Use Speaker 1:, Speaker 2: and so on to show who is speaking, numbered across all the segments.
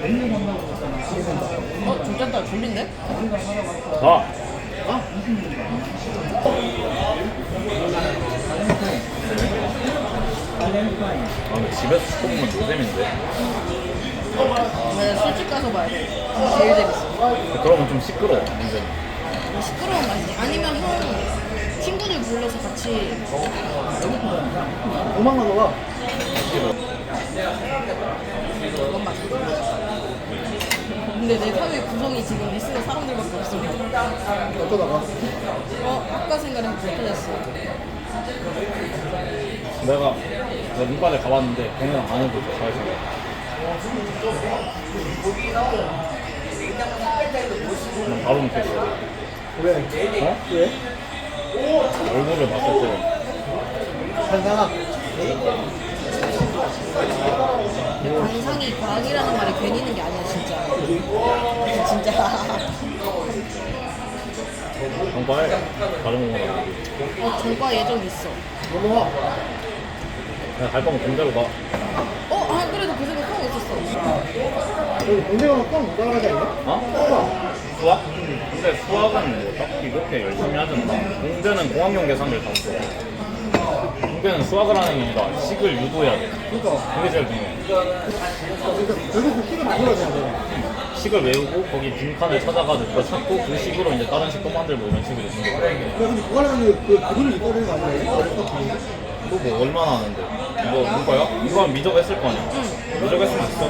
Speaker 1: 진짜 졸린데?
Speaker 2: 아! 근데 집에서 시켜보면 노잼인데.
Speaker 1: 네, 술집 가서 봐야 돼. 제일 재밌어.
Speaker 2: 그러면 좀 시끄러워, 완전.
Speaker 1: 시끄러운 맛이지. 아니면 형 친구들 불러서 같이.
Speaker 3: 5만 원 넣어.
Speaker 1: 그건 맛있어. 근데 내 사회 구성이 지금 리스는 사람들밖에 없어.
Speaker 3: 어쩌다가?
Speaker 1: 아까 생각하면 못 터졌어.
Speaker 2: 내가 눈바닥에 가봤는데 걔네랑 안 해도 잘 생겨. 그냥 바로 느꼈어.
Speaker 3: 왜?
Speaker 2: 어?
Speaker 3: 왜?
Speaker 2: 얼굴을 봤을 때
Speaker 3: 한상아.
Speaker 1: 관상이 과학이라는 말이 괜히 있는 게 아니야, 진짜. 진짜.
Speaker 2: 정말 다른 거랑
Speaker 1: 전과 예정 있어.
Speaker 3: 넘어와.
Speaker 2: 그냥 갈 거면 공대로 가.
Speaker 1: 그래도 그 생각 하고 있었어.
Speaker 3: 여기 공대가 꽉못 따라가지 않냐?
Speaker 2: 어? 수학? 근데 수학은 뭐 딱히 그렇게 열심히 하진 않아. 공대는 공학용 계산을 다 써. 공대는 수학을 하는 게 아니라 식을 유도해야 돼.
Speaker 3: 그러니까.
Speaker 2: 그게 제일 중요해.
Speaker 3: 그러니까 결국 그 식을 만들어야 되는데.
Speaker 2: 식을 외우고 거기 빈칸을 찾아가지고 그거 찾고 그 식으로 이제 다른 식도 만들고 이런 식으로 되는 거야.
Speaker 3: 근데 그거 하려면 그분을 이겨야 되는 거 아니야?
Speaker 2: 또 뭐 얼마나 하는데? 이거 누가요? 이거 한 미적 했을 거 아니야? 미적 했으면 있어.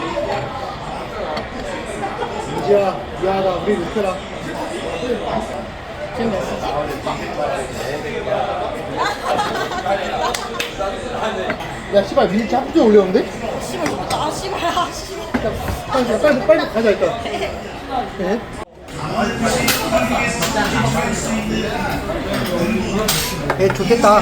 Speaker 3: 민지야, 미안하다. 우리 못해라.
Speaker 1: 지금 몇 시지?
Speaker 3: 야, 씨발, 민지 짭좀 올려오는데?
Speaker 1: 씨발 좋다. 씨발.
Speaker 3: 빨리 가자, 일단. 네? 좋겠다.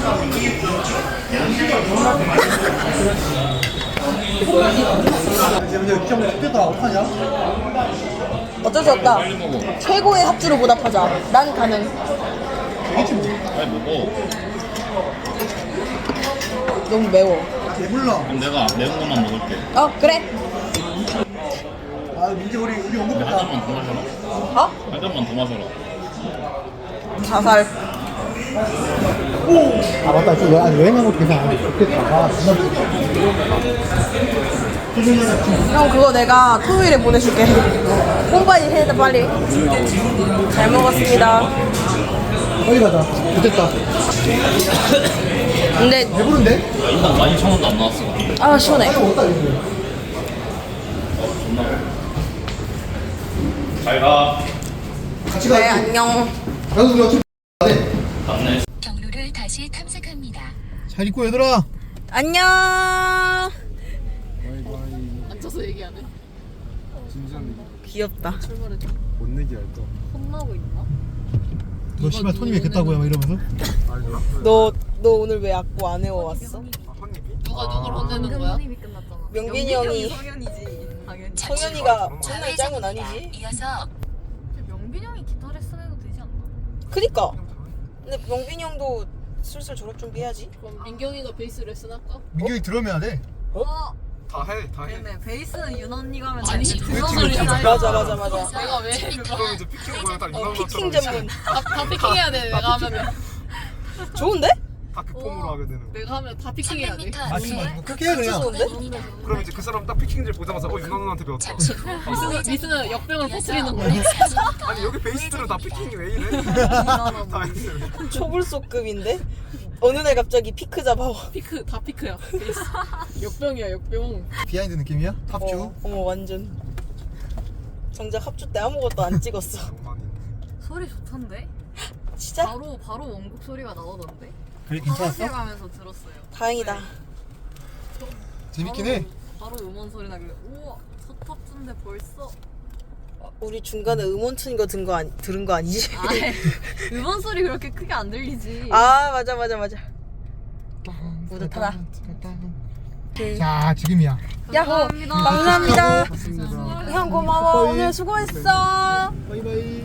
Speaker 3: 이제 좋겠다. 어떡하냐?
Speaker 1: 어쩔 수 없다. 최고의 합주로 보답하자. 난 가능.
Speaker 3: 이게 뭐?
Speaker 2: 빨리 먹어.
Speaker 1: 너무 매워.
Speaker 3: 배불러.
Speaker 2: 그럼 내가 매운 것만 먹을게.
Speaker 1: 그래.
Speaker 3: 아, 민지 우리
Speaker 2: 근데 한
Speaker 3: 언급했다.
Speaker 2: 잔만 더 마셔라. 한 잔만 더 마셔라.
Speaker 1: 자살.
Speaker 3: 아, 맞다. 여행 간 것도 계산 좋겠다. 아, 진짜
Speaker 1: 형 그거 내가 토요일에 보내줄게. 홈바이 해야 빨리. 잘 먹었습니다.
Speaker 3: 빨리 가자. 좋겠다.
Speaker 1: 근데
Speaker 3: 배부른데?
Speaker 2: 인당 12,000원도 안 나왔어.
Speaker 1: 시원해.
Speaker 3: 먹었다, 이제.
Speaker 2: 잘 가.
Speaker 3: 같이 가.
Speaker 1: 네 안녕.
Speaker 3: 나도 우리 어차피
Speaker 2: 갔네.
Speaker 4: 경로를 다시 탐색합니다.
Speaker 3: 잘 있고, 얘들아.
Speaker 1: 안녕.
Speaker 5: 앉아서 얘기하네.
Speaker 6: 진지한
Speaker 1: 귀엽다.
Speaker 5: 출발했다.
Speaker 6: 못 내기 할 거.
Speaker 5: 혼나고 있나?
Speaker 3: 너 씨발 손이 왜 겠다고요? 막 이러면서.
Speaker 1: 너 오늘 왜 악보 안 해왔어?
Speaker 5: 누가 누굴 혼내는 거야?
Speaker 1: 명빈이 형이
Speaker 5: 성현이지. 당연히.
Speaker 1: 성현이가 맨날 짱은 아니지.
Speaker 4: 이어서
Speaker 5: 명빈 형이 기타 레슨 해도 되지 않나?
Speaker 1: 그니까. 근데 명빈이 형도 슬슬 졸업 준비해야지.
Speaker 5: 그럼 민경이가 베이스 레슨 할까?
Speaker 3: 민경이 드럼해야 돼.
Speaker 6: 다 해.
Speaker 7: 근데 베이스는 윤 언니가 하면
Speaker 5: 아니
Speaker 7: 되지.
Speaker 5: 그런 소리야.
Speaker 1: 맞아.
Speaker 5: 내가 왜?
Speaker 6: 그럼 이제 피킹 거야. 딱 이만
Speaker 1: 피킹 전문.
Speaker 5: 다 피킹해야 돼. 내가 하면은.
Speaker 1: 좋은데?
Speaker 6: 다 극폼으로 하게 되는.
Speaker 5: 내가 하면 다 피킹해야 돼.
Speaker 4: 300m 뒤에
Speaker 3: 뭐 그렇게 해 그냥.
Speaker 1: 좋은데?
Speaker 6: 그럼 이제 그 사람 딱 피킹질 보자마자 윤아 누나한테 배웠다.
Speaker 4: 잠시 후
Speaker 5: 미스는 역병을 퍼뜨리는 거야.
Speaker 6: 아니 여기 베이스들은 다 피킹이 왜 이래? 다 했어요.
Speaker 1: 초불소급인데? 어느 날 갑자기 피크 잡아와.
Speaker 5: 피크 다 피크야. 베이스. 역병이야 역병.
Speaker 3: 비하인드 느낌이야? 합주.
Speaker 1: 어머 완전. 정작 합주 때 아무것도 안 찍었어.
Speaker 6: 장난이.
Speaker 7: 소리 좋던데?
Speaker 1: 진짜?
Speaker 7: 바로 원곡 소리가 나오던데?
Speaker 3: 그래
Speaker 7: 화장실 가면서 들었어요.
Speaker 1: 다행이다.
Speaker 3: 재밌긴 해.
Speaker 7: 바로 음원 소리 나길래 우와 첫 합주인데 벌써
Speaker 1: 우리 중간에 음원 튼 거 들은 거 아니지?
Speaker 7: 음원 소리 그렇게 크게 안 들리지.
Speaker 1: 맞아. 뿌듯하다.
Speaker 3: 자, 지금이야.
Speaker 1: 야호! 감사합니다. 형 고마워. 오늘 수고했어.
Speaker 3: 바이바이.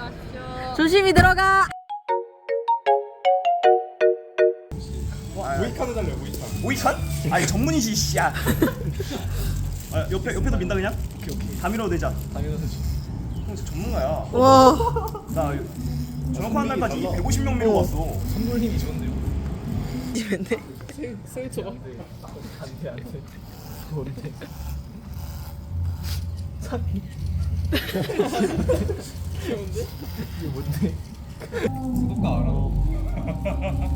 Speaker 1: 조심히 들어가.
Speaker 6: 모이칸 해달래요 모이칸.
Speaker 8: 모이칸? 아니 전문이지 씨야. 아, 옆에도 민다 그냥? 오케이 다 밀어도 되자. 다 밀어도 되지. 형 진짜 전문가야.
Speaker 1: 와.
Speaker 8: 나 전역하는 날까지 150명 메워왔어.
Speaker 2: 선물 힘이 좋은데요?
Speaker 1: 이랬네.
Speaker 5: 생 쳐봐.
Speaker 2: 안돼 뭔데?
Speaker 5: 귀여운데?
Speaker 2: 이게 뭔데?
Speaker 6: 구독가 알아.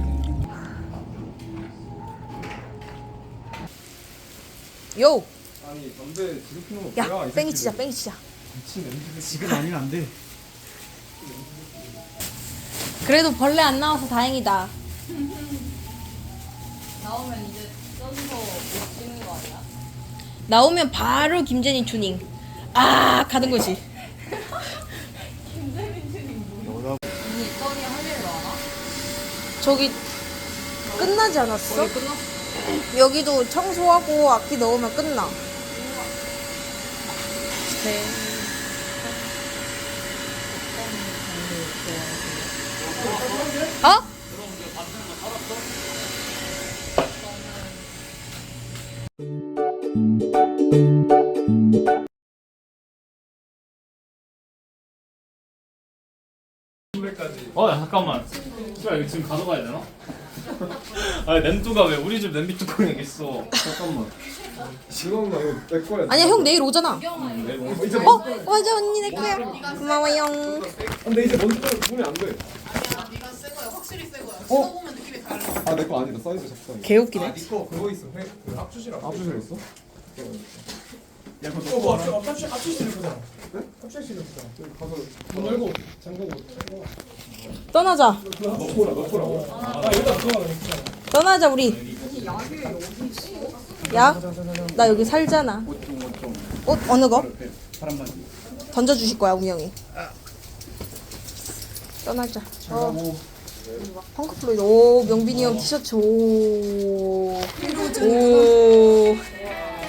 Speaker 1: 요.
Speaker 6: 아니 담배 지금 피는 거
Speaker 1: 야,
Speaker 6: 뭐야? 이
Speaker 1: 뺑이
Speaker 6: 새끼들.
Speaker 1: 치자, 뺑이 치자.
Speaker 6: 미친 냄새.
Speaker 3: 지금 아니면 안 돼.
Speaker 1: 그래도 벌레 안 나와서 다행이다.
Speaker 7: 나오면 이제 써서 못 찍는 거 아니야?
Speaker 1: 나오면 바로 김재니 튜닝. 아, 가는 거지.
Speaker 7: 언니 써니 할 일 많아?
Speaker 1: 저기 끝나지 않았어?
Speaker 5: 거의 끝났어.
Speaker 1: 여기도 청소하고 악기 넣으면 끝나. 네. 어?
Speaker 2: 야, 잠깐만. 씨발 이거 지금 가져가야 되나? 아니 냄뚜가 왜 우리 집 냄비 뚜껑에 있어?
Speaker 6: 잠깐만. 지금 나 이거 내 거야.
Speaker 1: 아니야, 형 내일 오잖아.
Speaker 6: 이제
Speaker 1: 어? 맞아, 언니 내 거야. 고마워요.
Speaker 6: 근데 이제 먼저 보면 안 돼. 아 내 거 아니다. 사이즈 작성.
Speaker 1: 개웃기네.
Speaker 6: 니거 그거 있어. 그 압수실 있어?
Speaker 3: 야, 그거 뭐 합주실 거잖아. 네? 합주실 거잖아.
Speaker 6: 가서
Speaker 3: 문 열고 잠그고.
Speaker 1: 떠나자.
Speaker 6: 넣고라고.
Speaker 3: 아, 여기다 들어가 있잖아.
Speaker 1: 떠나자, 우리. 야, 나 여기 살잖아. 옷 어느 거? 던져주실 거야, 우미 형이. 떠나자. 펑크 플로이드. 오, 명빈이 형 티셔츠. 오. 오.